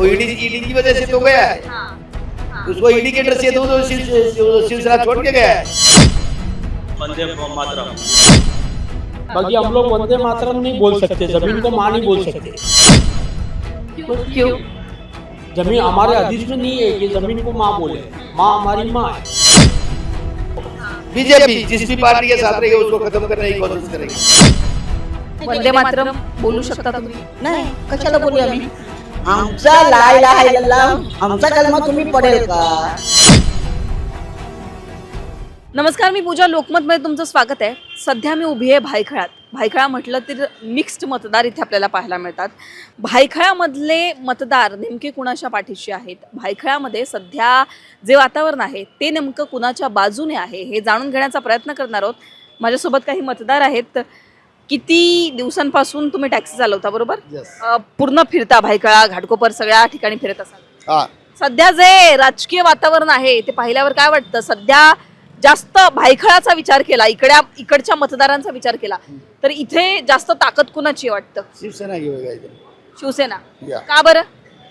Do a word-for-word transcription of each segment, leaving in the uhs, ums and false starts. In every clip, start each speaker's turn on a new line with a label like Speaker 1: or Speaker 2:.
Speaker 1: वो ED ED की वजह से तो गया है।
Speaker 2: हाँ,
Speaker 1: उसको ईडी के डर से तो वो शिव- शिव- शिवसेना छोड़ के गया है।
Speaker 3: वंदे मातरम।
Speaker 4: बाकी हम लोग वंदे मातरम नहीं बोल सकते, जमीन को माँ नहीं बोल सकते।
Speaker 2: क्यों क्यों
Speaker 4: जमीन हमारे अधिश में नहीं है कि जमीन को माँ बोले। माँ हमारी माँ है।
Speaker 1: बीजेपी जिस भी पार्टी के साथ रहेगी उसको खत्म करने की कोशिश करेगी।
Speaker 2: वंदे मातरम बोलू शकता तुम्ही?
Speaker 5: नाही, कशाला बोलू आम्ही? आमचा ला इलाहा इल्लल्लाह आमचा कलमा तुम्ही पडेल का?
Speaker 2: नमस्कार, मी पूजा. लोकमतमध्ये तुमचं स्वागत आहे. सध्या मी उभी आहे भायखळ्यात. भायखळा म्हटलं तर मिक्स्ड मतदार इथे आपल्याला पाहायला मिळतात. भायखळ्यामधले मतदार नेमके कुणाच्या पाठीशी आहेत? भायखळ्यामध्ये सध्या जे वातावरण आहे ते नेमकं कुणाच्या बाजूने आहे हे जाणून घेण्याचा प्रयत्न करणार आहोत. माझ्यासोबत काही मतदार आहेत. किती दिवसांपासून तुम्ही टॅक्सी चालवता, बरोबर? अ, पूर्ण फिरता भायखळा, घाटकोपर सगळ्या ठिकाणी फिरत असाल.
Speaker 1: हाँ
Speaker 2: सध्या जे राजकीय वातावरण आहे ते पाहिल्यावर काय वाटतं? सध्या जास्त भायखळाचा विचार केला, इकड्या इकडच्या मतदारांचा विचार केला तर इथे जास्त ताकद कुणाची वाटतं?
Speaker 1: शिवसेना की होगा इधर।
Speaker 2: शिवसेना.
Speaker 1: या।
Speaker 2: का बरं?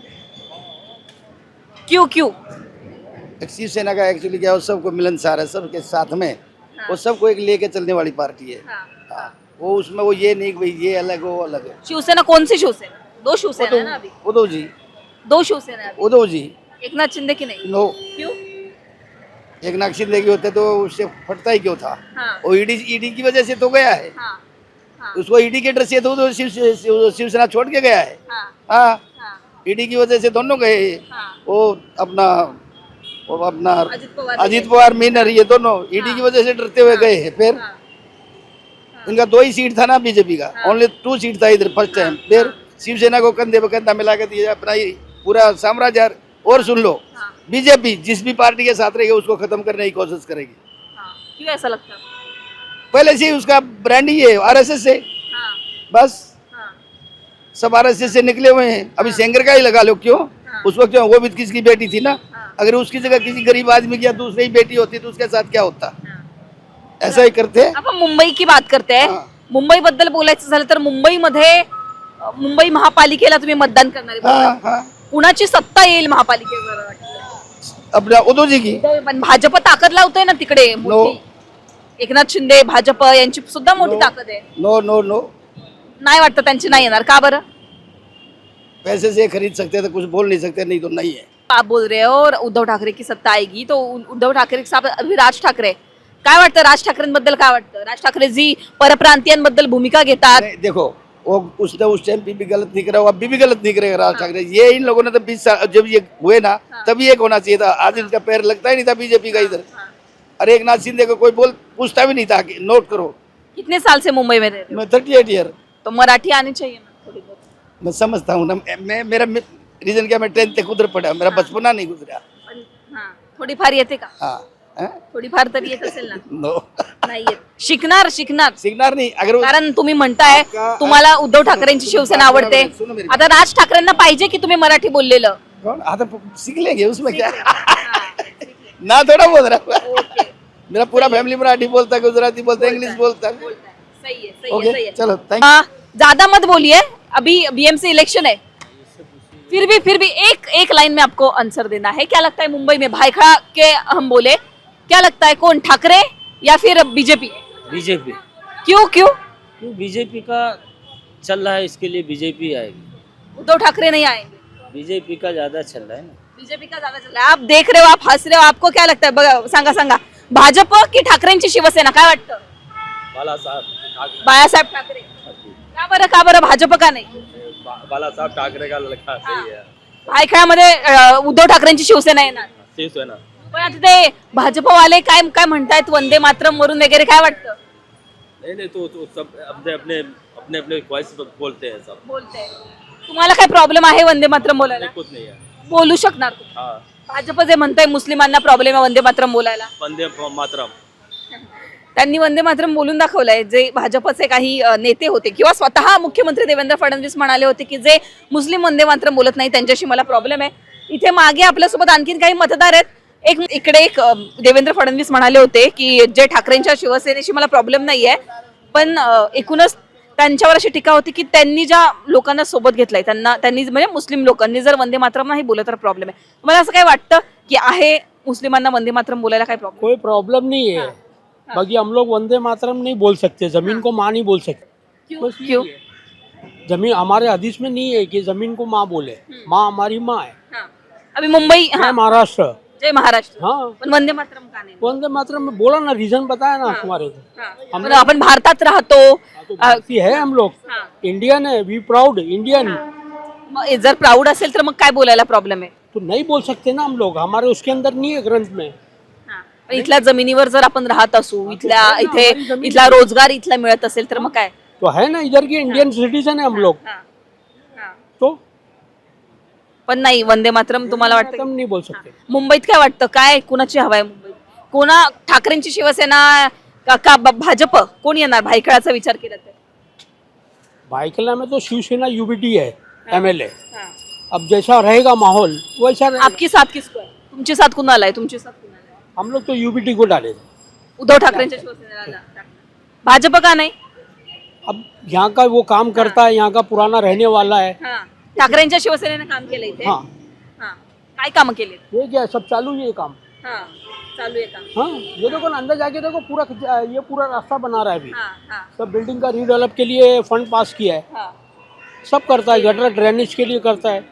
Speaker 2: क्यों क्यों?
Speaker 1: एक शिवसेना का एक्चुअली क्या है, वो सबको मिलनसार है, सबके साथ में वो सबको एक लेके चलने वाली पार्टी है। हाँ, वो उसमें वो ये नहीं कि भाई ये अलग वो अलग है।
Speaker 2: शिवसेना कौन सी शिवसेना? दो शिवसेना है ना अभी.
Speaker 1: उद्धव जी
Speaker 2: दो शिवसेना है अभी.
Speaker 1: उद्धव जी
Speaker 2: एकनाथ शिंदे की नहीं?
Speaker 1: नो,
Speaker 2: क्यों?
Speaker 1: एक नाथ शिंदे के होते तो उससे फटता ही क्यों था?
Speaker 2: हाँ,
Speaker 1: वो ईडी ईडी की वजह से तो गया है।
Speaker 2: हाँ, हाँ,
Speaker 1: उसको ईडी के डर से तो वो शिव शिव- शिवसेना छोड़ के गया है।
Speaker 2: हाँ,
Speaker 1: हाँ,
Speaker 2: हाँ,
Speaker 1: ईडी की वजह से दोनों गए।
Speaker 2: हाँ.
Speaker 1: वो अपना वो अपना
Speaker 2: अजित पवार.
Speaker 1: अजीत पवार मीनर ये दोनों ईडी की वजह से डरते हुए गए हैं। फिर
Speaker 2: हाँ,
Speaker 1: इनका दो ही सीट था ना बीजेपी का, ओनली टू सीट था इधर फर्स्ट टाइम। फिर शिवसेना को कंधे पे कंधा मिला के दिया अपना ही पूरा साम्राज्य। और सुन लो,
Speaker 2: हाँ,
Speaker 1: बीजेपी जिस भी पार्टी के साथ रहेगी उसको खत्म करने की कोशिश करेगी।
Speaker 2: हाँ. क्यों ऐसा लगता है?
Speaker 1: पहले से ही उसका ब्रांड ही है आरएसएस से,
Speaker 2: हाँ,
Speaker 1: बस
Speaker 2: हाँ,
Speaker 1: सब आरएसएस से निकले हुए हैं। अभी सेंगर का ही लगा लो, क्यों?
Speaker 2: हाँ.
Speaker 1: उस वक्त क्यों, वो भी किसकी बेटी थी ना।
Speaker 2: हाँ.
Speaker 1: अगर उसकी जगह किसी गरीब आदमी की या दूसरी बेटी होती तो उसके साथ क्या होता?
Speaker 2: हाँ.
Speaker 1: ऐसा ही करते हैं।
Speaker 2: आपण मुंबई की बात करते हैं.
Speaker 1: हाँ.
Speaker 2: मुंबई बद्दल बोलायचं झालं तर मुंबईमध्ये अ, मुंबई महापालिकेला तुम्ही मतदान करणारे
Speaker 1: हाँ
Speaker 2: बरोबर?
Speaker 1: हाँ,
Speaker 2: कुणाची सत्ता येईल महापालिकेवर वाटतं?
Speaker 1: अपना उद्धव जी की।
Speaker 2: पण भाजप ताकद लावतोय ना तिकडे मोठी. एकनाथ शिंदे, भाजप यांची सुद्धा मोठी
Speaker 1: नो.
Speaker 2: ताकद आहे.
Speaker 1: नो नो नो,
Speaker 2: नाही वाटतं त्यांची नाही येणार? का बरं?
Speaker 1: पैसे से खरीद सकते हैं तो कुछ बोल नहीं सकते, नहीं तो नहीं है।
Speaker 2: आप बोल रहे हो और उद्धव ठाकरे की सत्ता आएगी तो उ- उद्धव ठाकरे के साथ अभी राज ठाकरे. काय वाटतं राज ठाकरेंबद्दल? काय वाटतं राज ठाकरे जी परप्रांतीयांबद्दल भूमिका घेतात?
Speaker 1: नहीं, देखो वो उसने उस टाइम भी गलत नहीं करा, वो अभी भी गलत नहीं करेगा राज ठाकरे। ये इन लोगों ने तो बीस साल जब ये हुए ना तभी एक होना चाहिए था। आज इनका पैर लगता ही नहीं था बीजेपी का इधर। अरे एक नाथ शिंदे को कोई बोल पूछता भी नहीं था कि नोट करो।
Speaker 2: कितने साल से मुंबई में रह रहे हो?
Speaker 1: मैं थर्टी एट ईयर
Speaker 2: तो मराठी आनी चाहिए ना थोड़ी बहुत.
Speaker 1: मैं समझता हूँ ना। मैं मेरा रीजन क्या, मैं टेंथ तक उधर पढ़ा, मेरा बचपना नहीं गुजरा।
Speaker 2: पण हां, थोडीफार येते का?
Speaker 1: हाँ हाँ?
Speaker 2: थोडीफार तरी येत असेल ना?
Speaker 1: नो,
Speaker 2: नाही येत. शिकणार शिकणार.
Speaker 1: सिग्नर नहीं। अगर वो-
Speaker 2: कारण तुम्ही म्हणताय
Speaker 1: आपका-
Speaker 2: तुम्हाला उद्धव ठाकरेंची शिवसेना आवडते.
Speaker 1: सुनो मेरी
Speaker 2: आता राज ठाकरेंना पाहिजे की तुम्ही मराठी बोललेलं?
Speaker 1: कौन आता सीख लेंगे उसमें क्या
Speaker 2: हां,
Speaker 1: ना, थोड़ा बोल रहा हूँ।
Speaker 2: ओके.
Speaker 1: मेरा पूरा फैमिली मराठी बोलता है, गुजराती बोलता है, इंग्लिश बोलता है।
Speaker 2: बोलता है. सही है, सही है,
Speaker 1: ओके
Speaker 2: सही है.
Speaker 1: चलो, थैंक
Speaker 2: हाँ, ज्यादा मत बोलिए, अभी बीएमसी इलेक्शन है. फिर भी फिर भी एक एक लाइन में आपको आंसर देना है. क्या लगता है मुंबई में भायखळा के हम बोले, क्या लगता है कौन, ठाकरे या फिर बीजेपी?
Speaker 6: बीजेपी।
Speaker 2: क्यों क्यों?
Speaker 6: क्यों? बीजेपी का चल रहा है, इसके लिए बीजेपी आएगी।
Speaker 2: उद्धव ठाकरे नहीं आएंगे?
Speaker 6: बीजेपी का ज्यादा चल रहा है ना।
Speaker 2: बीजेपी का ज्यादा चल रहा है. आप देख रहे हो, आप हंस रहे हो, आपको क्या लगता है? बघा, सांगा सांगा, भाजप की ठाकरेंची शिवसेना? काय वाटतं?
Speaker 3: बाला साहब
Speaker 2: बाळासाहेब ठाकरे. का बरं का बरं भाजप का नाही?
Speaker 3: बाला साहब ठाकरे का लड़का सही है।
Speaker 2: भायखळ्यामध्ये अ, उद्धव ठाकरेंची शिवसेना येणार.
Speaker 3: शिवसेना।
Speaker 2: पण आता ते भाजपवाले काय काय म्हणतायत वंदे मातरम वरून वगैरे, काय वाटतं?
Speaker 3: नहीं नहीं, तो, तो सब अपने अपने अपने अपने ख्वाहिश बोलते हैं सब।
Speaker 2: बोलते. तुम्हाला काय प्रॉब्लेम आहे वंदे मातरम बोलायला?
Speaker 3: नहीं, कुछ नहीं है।
Speaker 2: बोलू शकणार तुम्ही?
Speaker 3: हाँ,
Speaker 2: भाजप जे म्हणताय मुस्लिमांना प्रॉब्लेम आहे वंदे मातरम बोलायला,
Speaker 3: वंदे मातरम।
Speaker 2: त्यांनी वंदे मातरम बोलून दाखवलंय. जे भाजपचे काही अ, नेते होते किंवा स्वतः मुख्यमंत्री देवेंद्र फडणवीस म्हणाले होते की जे मुस्लिम वंदे मातरम बोलत नाही त्यांच्याशी मला प्रॉब्लेम आहे. इथे मागे आपल्यासोबत आणखीन काही मतदार आहेत. एक इकडे एक अ, देवेंद्र फडणवीस म्हणाले होते की जे ठाकरेंच्या शिवसेनेशी मला प्रॉब्लेम नाहीये, पण अ, एकूणच त्यांच्यावर अशी टीका होती की त्यांनी ज्या लोकांना सोबत घेतलंय त्यांना त्यांनी म्हणजे मुस्लिम लोकांनी जर वंदे मातरम नाही बोललं तर प्रॉब्लेम आहे. मला असं काय वाटतं की आहे मुस्लिमांना वंदे मातरम बोलायला काय प्रॉब्लेम?
Speaker 4: कोई प्रॉब्लम नहीं है. बाकी हम लोग वंदे मातरम नहीं बोल सकते, जमीन को माँ नहीं बोल सकते. बस ये
Speaker 2: क्यों?
Speaker 4: है. जमीन हमारे हदीस में नहीं है कि जमीन को माँ बोले. माँ हमारी माँ है.
Speaker 2: हाँ. अभी मुंबई
Speaker 4: मैं
Speaker 2: हाँ,
Speaker 4: महाराष्ट्र.
Speaker 2: जय महाराष्ट्र.
Speaker 4: हाँ,
Speaker 2: पण वंदे मातरम का नाही?
Speaker 4: वंदे मातरम में बोला ना, रीजन बताया ना तुम्हारे को.
Speaker 2: हाँ.
Speaker 4: हम
Speaker 2: पण आपण भारतात राहतो.
Speaker 4: तो भारतीय है हम लोग.
Speaker 2: हाँ.
Speaker 4: इंडियन है, वी प्राउड इंडियन.
Speaker 2: मग जर प्राऊड असेल तर मग काय बोलायला प्रॉब्लेम आहे?
Speaker 4: तो नहीं बोल सकते ना हम लोग, हमारे उसके अंदर नहीं है ग्रंथ में.
Speaker 2: पण इथल्या जमिनीवर जर आपण राहत असू, इथल्या इथे इथला रोजगार इथला मिळत असेल तर मग काय?
Speaker 4: तो है ना, इधर के इंडियन सिटीजन है हम लोग. तो
Speaker 2: पण नाही वंदे मातरम तुम्हाला वाटतं?
Speaker 4: हम नहीं बोल सकते.
Speaker 2: मुंबईत काय वाटतं, काय कुणाची हवा आहे मुंबईत? कोणा ठाकरेंची शिवसेना का का ब- भाजप कोण येणार भायखळाचा विचार केला तर?
Speaker 4: भाईकला में तो शिवसेना यूबीटी है एमएलए. अब जैसा रहेगा माहौल वैसा रहेगा.
Speaker 2: आपकी साथ किसको आहे? तुमची साथ कुणाला आहे? तुमची साथ कुणाला आहे?
Speaker 4: हम लोग तो यूबीटी को डाले.
Speaker 2: उद्धव ठाकरेंच्या शिवसेनेला टाकणार. भाजप का नाही?
Speaker 4: अब यहाँ का वो काम करता है, यहाँ का पुराना रहने वाला है.
Speaker 2: ठाकरेंच्या शिवसेनेने काम केलं इथे.
Speaker 4: हाँ,
Speaker 2: हां. काय काम केले?
Speaker 4: ये क्या है, सब चालू है ये काम.
Speaker 2: हां. चालू आहे काम.
Speaker 4: हाँ, ये देखो ना, अंदर जाके देखो, पूरा ये पूरा रास्ता बना रहा है अभी.
Speaker 2: हां हां
Speaker 4: सब बिल्डिंग का रीडेवलप के लिए फंड पास किया है.
Speaker 2: हां.
Speaker 4: सब करता है, गटर ड्रेनेज के लिए करता है,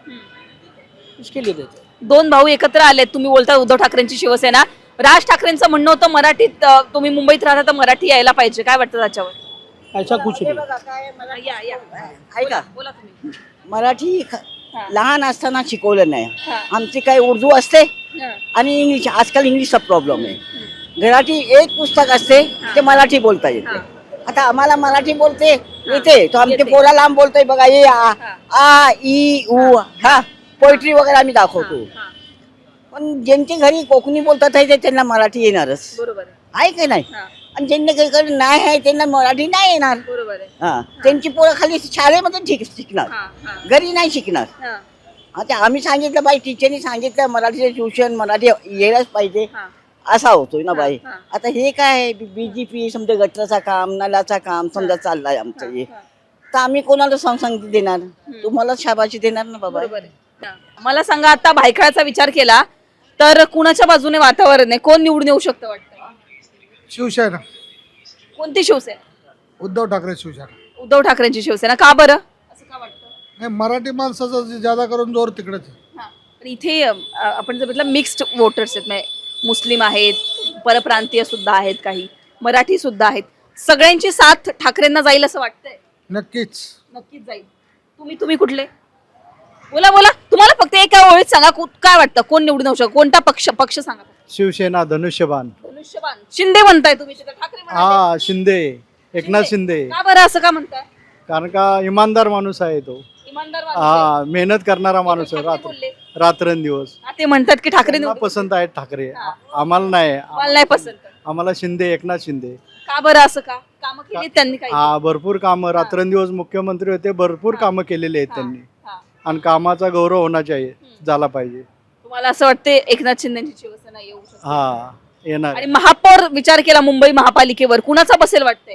Speaker 4: इसके लिए देते हैं.
Speaker 2: दोन भाऊ एकत्र आले. तुम्ही बोलता उद्धव ठाकरेंची शिवसेना. राज ठाकरेंचं म्हणणं होतं मराठीत अ, तुम्ही मुंबईत राहता तर मराठी यायला पाहिजे. काय वाटतं त्याच्यावर?
Speaker 4: ऐसा कुछ नहीं.
Speaker 2: या या
Speaker 5: ऐका,
Speaker 2: बोला तुम्ही.
Speaker 5: मराठी ख-
Speaker 2: हा.
Speaker 5: लहान असताना शिकवलं नाही.
Speaker 2: हा.
Speaker 5: आमची काही उर्दू असते
Speaker 2: हां.
Speaker 5: आणि इंग्लिश. आजकाल इंग्लिशचा प्रॉब्लेम आहे. घराठी एक पुस्तक असते ते मराठी बोलता येते. आता आम्हाला मराठी बोलते येते, तो आमचे
Speaker 2: येते.
Speaker 5: पोरा लांब बोलतोय बघा, ये आ
Speaker 2: हा.
Speaker 5: आ ई उ हा पोएट्री वगैरे आम्ही दाखवतो.
Speaker 2: हां.
Speaker 5: पण ज्यांच्या घरी कोकणी बोलतात आहे ते त्यांना मराठी येणारच
Speaker 2: बरोबर आहे.
Speaker 5: आहे की नाही.
Speaker 2: हां.
Speaker 5: आणि ज्यांना काही नाही आहे त्यांना मराठी नाही येणार.
Speaker 2: बरोबर आहे.
Speaker 5: हा, त्यांची पोरं खाली शाळेमध्ये ठीक शिकणार,
Speaker 2: हां हां
Speaker 5: घरी नाही शिकणार.
Speaker 2: हां
Speaker 5: आता आम्ही सांगितलं बाई, टीचरनी सांगितलं मराठीचं ट्युशन मराठी यायलाच पाहिजे,
Speaker 2: हां
Speaker 5: असा होतोय ना बाई.
Speaker 2: हा, हा.
Speaker 5: आता हे काय बीजेपी समजा गटराचं काम नलाचं काम समजा चाललंय आमचं हे,
Speaker 2: हां.
Speaker 5: तर आम्ही कोणाला संगती देणार? तुम्हाला शाबाशी देणार ना बाबा.
Speaker 2: बरोबर आहे. हां. मला सांगा, आता भायखळाचा विचार केला तर कुणाच्या बाजूने वातावरण आहे? कोण निवडून येऊ शकतं वाटतं?
Speaker 7: शिवसेना,
Speaker 2: कोणती शिवसेना?
Speaker 7: उद्धव ठाकरे शिवसेना.
Speaker 2: उद्धव ठाकरेंची शिवसेना. का बरं असं का वाटतं?
Speaker 7: नाही, मराठी माणसाचा ज्यादा करून जोर तिकडेच आहे.
Speaker 2: हां. पण इथे अ, आपण जर बघितलं मिक्स्ड वोटर्स आहेत, म्हणजे मुस्लिम आहेत, परप्रांतीय सुद्धा आहेत, काही मराठी सुद्धा आहेत. सगळ्यांची साथ ठाकरेंना जाईल असं वाटतंय?
Speaker 7: नक्कीच.
Speaker 2: नक्कीच जाईल. तुम्ही तुम्ही कुठले? बोला बोला. तुम्हाला फक्त एका ओळीत सांगा, कु- काय वाटतं कोण निवडून येऊ शकतो? कोणता पक्ष पक्ष सांगा.
Speaker 8: शिवसेना, धनुष्यबाण.
Speaker 2: धनुष्यबाण. शिंदे म्हणताय तुम्ही, तिथं ठाकरे म्हणाले.
Speaker 8: हा, शिंदे, एकनाथ शिंदे.
Speaker 2: का बरं असं का म्हणताय?
Speaker 8: कारण का इमानदार माणूस आहे तो.
Speaker 2: इमानदार माणूस आहे.
Speaker 8: हा, मेहनत करणारा माणूस आहे.
Speaker 2: ठाकरे
Speaker 8: रात्र
Speaker 2: बोलले.
Speaker 8: रात्रंदिवस.
Speaker 2: हा, ते म्हणतात की ठाकरे
Speaker 8: त्यांना
Speaker 2: निवडून
Speaker 8: पसंत आहेत ठाकरे. आ- आम्हाला नाही.
Speaker 2: मला नाही पसंत.
Speaker 8: आम्हाला शिंदे, एकनाथ शिंदे.
Speaker 2: का बरं असं का? कामं केली त्यांनी काही?
Speaker 8: हा, भरपूर कामं. रात्रंदिवस मुख्यमंत्री होते, भरपूर कामं केलेली आहेत त्यांनी.
Speaker 2: हा.
Speaker 8: आणि कामाचा गौरव होना चाहिए, झाला पाहिजे.
Speaker 2: तुम्हाला असं वाटते एकनाथ शिंदेची शिवसेना येऊ शकते?
Speaker 8: हा, येणार.
Speaker 2: आणि महापौर विचार केला मुंबई महापालिकेवर, कुणाचा बसेल वाटतंय?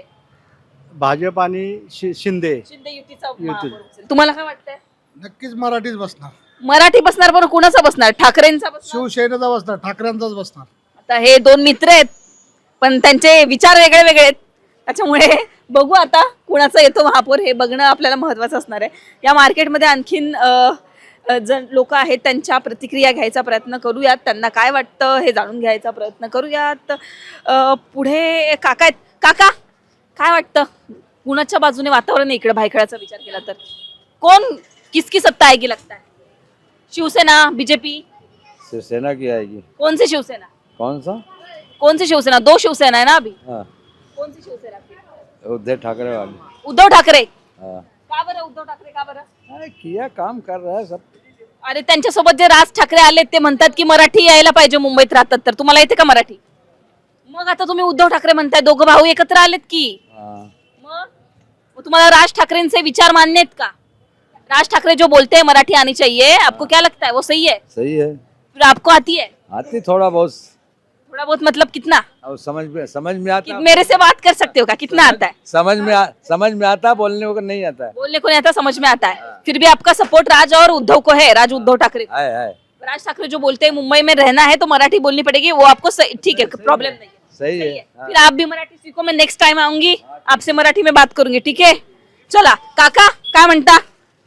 Speaker 8: भाजप आणि शि- शिंदे.
Speaker 2: शिंदे युतीचा महापौर बसेल. तुम्हाला काय वाटतंय?
Speaker 7: नक्कीच मराठीच बसणार.
Speaker 2: मराठी बसणार, बरं कुणाचा बसणार? ठाकरेंचा बसणार?
Speaker 7: शिवसेनेचा बसणार, ठाकरेंचाच बसणार.
Speaker 2: आता हे दोन मित्र आहेत पण त्यांचे विचार वेगळे वेगळे आहेत, त्याच्यामुळे बघू आता कुणाचा येतो महापौर, हे बघणं आपल्याला महत्त्वाचं असणार आहे. या मार्केटमध्ये आणखीन अ, अ, जण लोक आहेत, त्यांच्या प्रतिक्रिया घ्यायचा प्रयत्न करूयात, त्यांना काय वाटतं हे जाणून घ्यायचा प्रयत्न करूयात. अ, पुढे काका आहेत. काका, काय वाटतं कुणाच्या बाजूने वातावरण आहे इकडे भायखळाचा विचार केला तर? कोण किसकी सत्ता आएगी लगता है? शिवसेना, बीजेपी?
Speaker 9: शिवसेना की आएगी.
Speaker 2: कौन सी शिवसेना?
Speaker 9: कौन सा?
Speaker 2: कौन सी शिवसेना? दो शिवसेना है ना अभी.
Speaker 9: हाँ,
Speaker 2: कौन सी शिवसेना आपकी?
Speaker 9: उद्धव ठाकरे वाली.
Speaker 2: उद्धव ठाकरे.
Speaker 9: हाँ,
Speaker 2: का बरं उद्धव ठाकरे, का बरं?
Speaker 9: अरे किया, काम कर रहा है सब.
Speaker 2: अरे त्यांच्यासोबत जे राज ठाकरे आले ते म्हणतात की मराठी यायला पाहिजे मुंबईत राहतात, तर तुम्हाला येते का मराठी? मग आता तुम्ही उद्धव ठाकरे म्हणताय, दोघं भाऊ एकत्र आलेत की.
Speaker 9: हाँ,
Speaker 2: मग मग तुम्हाला राज ठाकरेंचे विचार मान्य आहेत का? राज ठाकरे जो बोलते हैं मराठी आनी चाहिए, आपको क्या लगता है वो सही है?
Speaker 9: सही है.
Speaker 2: फिर आपको आती है?
Speaker 9: आती थोड़ा बहुत.
Speaker 2: थोड़ा बहुत मतलब कितना?
Speaker 9: और समझ में समझ में
Speaker 2: कि
Speaker 9: आता
Speaker 2: मेरे से बात कर सकते हो क्या? कितना आता है?
Speaker 9: समझ में आ, समझ में आता बोलने को नहीं आता है
Speaker 2: बोलने को नहीं आता, समझ में आता है। फिर भी आपका सपोर्ट राज और उद्धव को है, राज उद्धव ठाकरे को।
Speaker 9: है है
Speaker 2: राज ठाकरे जो बोलते हैं मुंबई में रहना है तो मराठी बोलनी पड़ेगी, वो आपको सही- ठीक है, प्रॉब्लम नहीं है।
Speaker 9: सही
Speaker 2: सही
Speaker 9: है
Speaker 2: है। फिर आप भी मराठी सीखो, मैं नेक्स्ट टाइम आऊंगी आपसे मराठी में बात करूंगी, ठीक आहे? चला काका, काय म्हणता?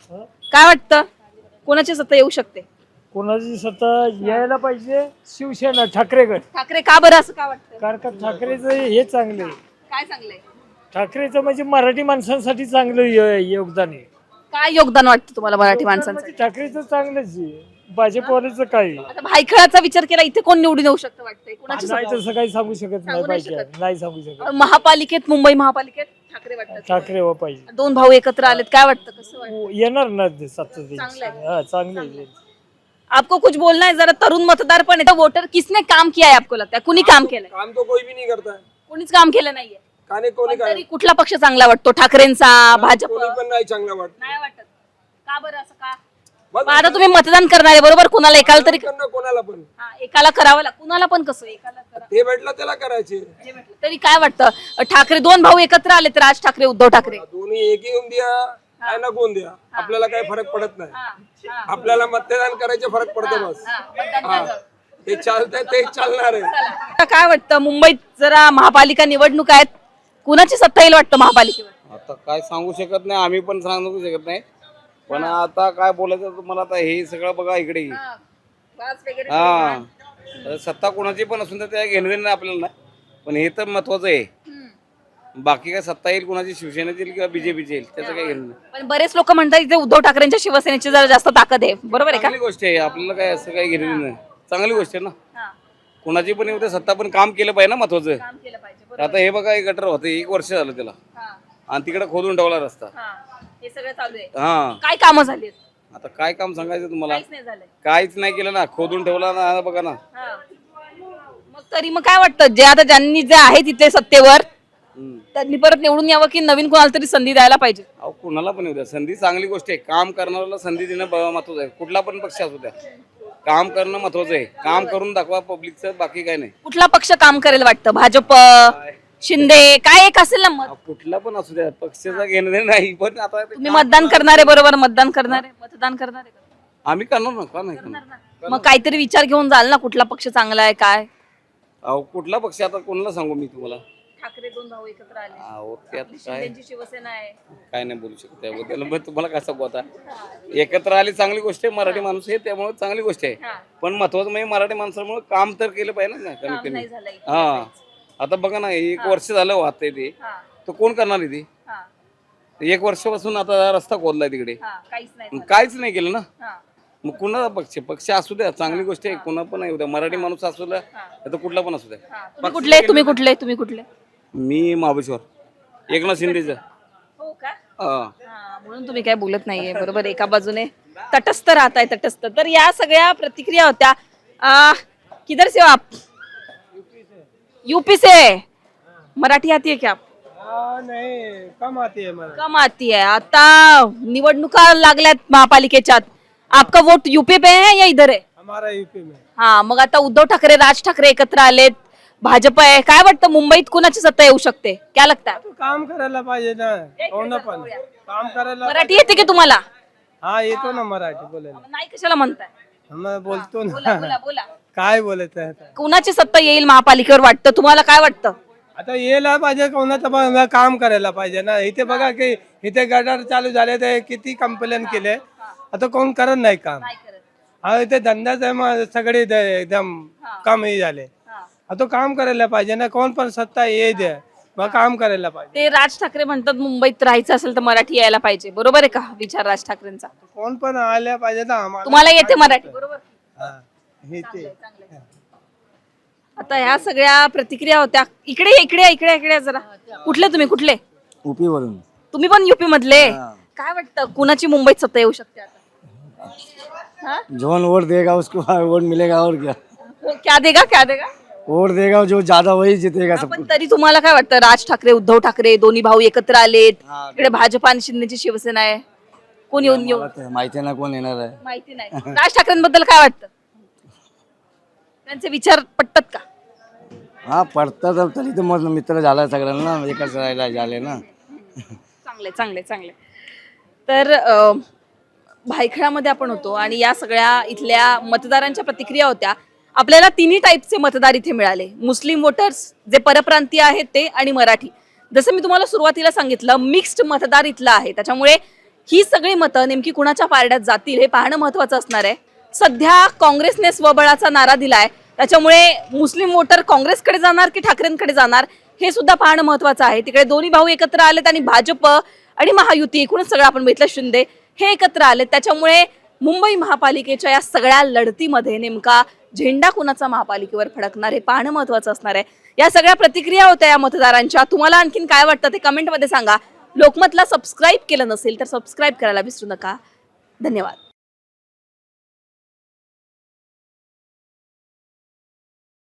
Speaker 2: काय वाटतं कोणाची सत्ता येऊ शकते?
Speaker 10: कोणाची सत्ता यायला पाहिजे शिवसेना ठाकरेगड.
Speaker 2: ठाकरे का बरं असं का वाटतं?
Speaker 10: कारण का ठाकरेचं हे चांगले,
Speaker 2: काय चांगलंय?
Speaker 10: ठाकरेचं म्हणजे मराठी माणसांसाठी चांगलं य- योगदान आहे.
Speaker 2: काय योगदान वाटतं तुम्हाला मराठी माणसांचं?
Speaker 10: म्हणजे ठाकरेचं चांगलंच आहे, भाजपवाल्याचं काय आहे.
Speaker 2: आता भायखळाचा विचार केला, इथे कोण निवडून येऊ शकतं वाटतंय? कोणाची
Speaker 10: नाही
Speaker 2: सत्ता?
Speaker 10: तसं काही सांगू शकत नाही
Speaker 2: सांगू नाही
Speaker 10: पाहिजे,
Speaker 2: शकत.
Speaker 10: नाही सांगू शकत.
Speaker 2: महापालिकेत, मुंबई महापालिकेत ठाकरे वाटतात.
Speaker 10: ठाकरे व पाहिजे
Speaker 2: दोन भाऊ एकत्र आलेत, काय वाटतं, कसं वाटतं?
Speaker 10: येणार ना ते सत्ता
Speaker 2: चांगलं आहे.
Speaker 10: हा चांगलं आहे.
Speaker 2: आपको कुछ बोलना है? जरा तरुण मतदार पण है, वोटर किसने काम किया है आपको लगता है? कुणी काम केलंय?
Speaker 11: काम तो कोई भी नहीं करता है.
Speaker 2: कोणीच काम केलं नाहीये.
Speaker 11: काने कोणी
Speaker 2: पण
Speaker 11: काय
Speaker 2: तरी कुठला पक्ष चांगला वाटतो? ठाकरेंचा, भाजप?
Speaker 11: कोणी पण नाही चांगला वाटत.
Speaker 2: नाही वाटत. का बरं असं का?
Speaker 11: बस
Speaker 2: मग आता तुम्ही मतदान करणार आहे बरोबर, कुणाला एकाला तरी
Speaker 11: करणं कोणाला पण
Speaker 2: हा, एकाला करावं लाग, कुणाला पण कसं एकाला करा
Speaker 11: ते भेटलं त्याला करायचे.
Speaker 2: जे म्हटलं. तरी काय वाटतं ठाकरे दोन भाऊ एकत्र आलेत, राज ठाकरे उद्धव ठाकरे?
Speaker 11: दोन्ही एक येऊन द्या काय ना कोण द्या, आपल्याला काही फरक पडत नाही.
Speaker 2: हा, हा,
Speaker 11: आपल्याला मतदान करायचे फरक पडतो बस.
Speaker 2: हा, मतदान
Speaker 11: हा
Speaker 2: करायचं.
Speaker 11: ते चालतंय ते चालणार आहे.
Speaker 2: आता काय वाटतं मुंबईत जरा महापालिका निवडणूक आहेत, कुणाची सत्ता येईल वाटतं महापालिकेवर?
Speaker 1: आता काय सांगू शकत नाही, आम्ही पण सांगू शकत नाही. पण आता काय बोलायचं तुम्हाला, आता हे सगळं बघा इकडे.
Speaker 2: हा, वास वगैरे
Speaker 1: हा तर सत्ता कोणाची पण असून तर त्या घेणं देणं आपल्याला नाही, पण हे तर महत्वाचं आहे.
Speaker 2: हम्म.
Speaker 1: बाकी काय सत्ता येईल कोणाची, शिवसेनेची येईल किंवा बीजेपीची येईल, त्याचं काही घेणं नाही.
Speaker 2: पण बरेच लोक म्हणतात इथे उद्धव ठाकरेंच्या शिवसेनेची जरा जास्त ताकद आहे, बरोबर आहे का?
Speaker 1: चांगली गोष्ट आहे, आपल्याला काय असं काही घेणं देणं नाही. चांगली गोष्ट आहे ना,
Speaker 2: हा,
Speaker 1: कोणाची पण येऊ दे, सत्ता पण काम केलं पाहिजे ना महत्वाचं.
Speaker 2: काम केलं पाहिजे, बरोबर.
Speaker 1: आता हे बघा, हे गटर होते एक वर्ष झालं त्याला,
Speaker 2: हा,
Speaker 1: आणि तिकडे खोदून ठेवला रस्ता.
Speaker 2: हा, हे सगळं चालू आहे.
Speaker 1: हा
Speaker 2: काय कामं झाली?
Speaker 1: आता काय काम सांगायचं तुम्हाला,
Speaker 2: काहीच नाही झालंय.
Speaker 1: काहीच नाही केलं ना, खोदून ठेवला ना. आता बघा ना.
Speaker 2: हा. मग तरी मग काय वाटतं, जे आता ज्यांनी जे आहे तिथे सत्तेवर
Speaker 1: हम्म.
Speaker 2: त्यांनी परत निवडून यावं की नवीन कोणाला तरी संधी द्यायला पाहिजे?
Speaker 1: अहो कुणाला पण येऊ द्या, संधी चांगली गोष्ट आहे. काम करणाऱ्याला संधी देणं ब- महत्वाचं आहे. कुठला पण पक्ष असू द्या, काम करणं महत्वाचं आहे. काम करून दाखवा पब्लिकचं, बाकी काय नाही.
Speaker 2: कुठला पक्ष काम करेल वाटतं? भाजप, शिंदे, काय एक असेल ना मत?
Speaker 1: अहो, कुठला पण असू द्या, पक्षाचा घेणं देणं नाही. पण आता ते
Speaker 2: तुम्ही
Speaker 1: काम-
Speaker 2: मतदान करणारे बरोबर, मतदान करणारे, मतदान करणारे का?
Speaker 1: आम्ही करणार ना, का नाही करणार?
Speaker 2: मग काहीतरी विचार घेऊन जाल ना, कुठला पक्ष चांगला आहे काय?
Speaker 1: अहो कुठला पक्ष, आता कोणाला सांगू मी तुम्हाला?
Speaker 2: ठाकरे दोन भाऊ एकत्र आले,
Speaker 1: अहो त्यात काय
Speaker 2: शिंदेची शिवसेना आहे.
Speaker 1: काय नाही बोलू शकत त्याबद्दल. मग तुम्हाला काय सांगू आता, एकत्र आली चांगली गोष्ट आहे, मराठी माणूस आहे त्यामुळे चांगली गोष्ट आहे.
Speaker 2: हा.
Speaker 1: पण महत्वाचं म्हणजे मराठी माणसामुळे काम तर केलं पाहिजे ना, कमीत
Speaker 2: काम
Speaker 1: कमी.
Speaker 2: नाही झालं इथे.
Speaker 1: हा आता बघा ना, एक वर्ष झालं वाहतंय ते,
Speaker 2: हा,
Speaker 1: तर कोण करणार आहे ते?
Speaker 2: हा,
Speaker 1: एक वर्षापासून आता रस्ता खोदलाय तिकडे,
Speaker 2: हा, काहीच नाही
Speaker 1: मग
Speaker 2: झालं.
Speaker 1: काहीच नाही केलं ना.
Speaker 2: हा,
Speaker 1: मग कुणाचा पक्ष, पक्ष असू द्या, चांगली गोष्ट आहे. कुणा पण येऊ द्या, मराठी माणूस असू द्या, तर कुठला पण असू द्या.
Speaker 2: हा. तुम्ही कुठले तुम्ही कुठले तुम्ही कुठले
Speaker 1: मी महाबळेश्वर, एकनाथ शिंदेचं.
Speaker 2: हो का?
Speaker 1: हा
Speaker 2: हा, म्हणून तुम्ही काय बोलत नाहीये, बरोबर. एका बाजूने तटस्थ राहताय, तटस्थ. तर या सगळ्या प्रतिक्रिया होत्या. आ, किधर से हो आप? यूपी से. मराठी आती है क्या आप?
Speaker 10: नाही कम आती है मला.
Speaker 2: कम आती है. आता निवडणुका लागल्यात महापालिकेच्या, आपका वोट यूपी पे है या इधर है?
Speaker 10: हमारा यूपी में.
Speaker 2: हा, मग आता उद्धव ठाकरे, राज ठाकरे एकत्र आलेत, भाजप आहे. काय वाटतं मुंबईत कुणाची सत्ता येऊ शकते? क्या लगता है?
Speaker 10: काम करायला पाहिजे ना, कोण पण काम करायला.
Speaker 2: मराठी येते की तुम्हाला?
Speaker 10: हा येतो ना मराठी बोलायला.
Speaker 2: नाही कशाला म्हणताय?
Speaker 10: आम्हाला बोलतो
Speaker 2: बोला
Speaker 10: ना.
Speaker 2: बोला बोला.
Speaker 10: काय बोलत आहे आता?
Speaker 2: कुणाची सत्ता येईल महापालिकेवर वाटतं तुम्हाला? काय वाटतं?
Speaker 10: आता यायला पाहिजे, कोणाचं पण काम करायला पाहिजे ना. इथे बघा की इथे गटार चालू झाले, तर किती कंप्लेंट केले, आता कोण करत नाही काम. हा इथे धंदाच आहे, मग सगळे द- एकदम कमी झाले. आता काम करायला पाहिजे ना, कोण पण सत्ता ये दे, मग काम करायला पाहिजे.
Speaker 2: ते राज ठाकरे म्हणतात मुंबईत राहायचं असेल तर मराठी यायला पाहिजे, बरोबर आहे का विचार राज ठाकरेंचा?
Speaker 10: कोण पण आल्या पाहिजे ना आम्हाला.
Speaker 2: तुम्हाला येते मराठी, बरोबर?
Speaker 10: हा, येते.
Speaker 2: आता ह्या सगळ्या प्रतिक्रिया होत्या. इकडे इकडे इकडे इकडे जरा. कुठले तुम्ही, कुठले?
Speaker 8: यूपी वरून.
Speaker 2: तुम्ही पण युपी मधले? काय वाटतं कुणाची मुंबईत सत्ता येऊ शकते आता? हा?
Speaker 8: जौन वोट देगा उसको वोट मिलेगा, और क्या
Speaker 2: वो क्या देगा, क्या देगा?
Speaker 8: वोट देगा जो ज्यादा वही जीतेगा सब.
Speaker 2: पण तरी तुम्हाला काय वाटतं, राज ठाकरे उद्धव ठाकरे दोन्ही भाऊ एकत्र आलेत, इकडे भाजप आणि शिंदेची शिवसेना आहे, कोण येऊन येऊ
Speaker 8: माहिती ना कोण येणार आहे.
Speaker 2: माहिती नाही. राज ठाकरेंबद्दल काय वाटतं? त्यांचे विचार पटतात का?
Speaker 9: हा पडतं तरी तर मग मित्र झाला सगळ्यांना एकच राहायला झाले ना.
Speaker 2: चांगले चांगले चांगले. तर अ, भायखळामध्ये आपण होतो आणि या सगळ्या इथल्या मतदारांच्या प्रतिक्रिया होत्या. आपल्याला तिन्ही टाईपचे मतदार इथे मिळाले. मुस्लिम वोटर्स जे परप्रांतीय आहेत ते आणि मराठी. जसं मी तुम्हाला सुरुवातीला सांगितलं मिक्स्ड मतदार इथलं आहे. त्याच्यामुळे ही सगळी मतं नेमकी कुणाच्या पारड्यात जातील हे पाहणं महत्वाचं असणार आहे. सध्या काँग्रेसने स्वबळाचा नारा दिलाय. त्याच्यामुळे मुस्लिम वोटर काँग्रेसकडे जाणार की ठाकरेंकडे जाणार हे सुद्धा पाहणं महत्वाचं आहे. तिकडे दोन्ही भाऊ एकत्र आलेत आणि भाजप आणि महायुती एकूणच सगळं आपण बघितलं शिंदे हे एकत्र आलेत. त्याच्यामुळे मुंबई महापालिकेच्या या सगळ्या लढतीमध्ये नेमका झेंडा कुणाचा महापालिकेवर फडकणार हे पाहणं महत्वाचं असणार आहे. या सगळ्या प्रतिक्रिया होत्या या मतदारांच्या. तुम्हाला आणखीन काय वाटतं ते कमेंटमध्ये सांगा. लोकमतला सबस्क्राईब केलं नसेल तर सबस्क्राईब करायला विसरू नका. धन्यवाद.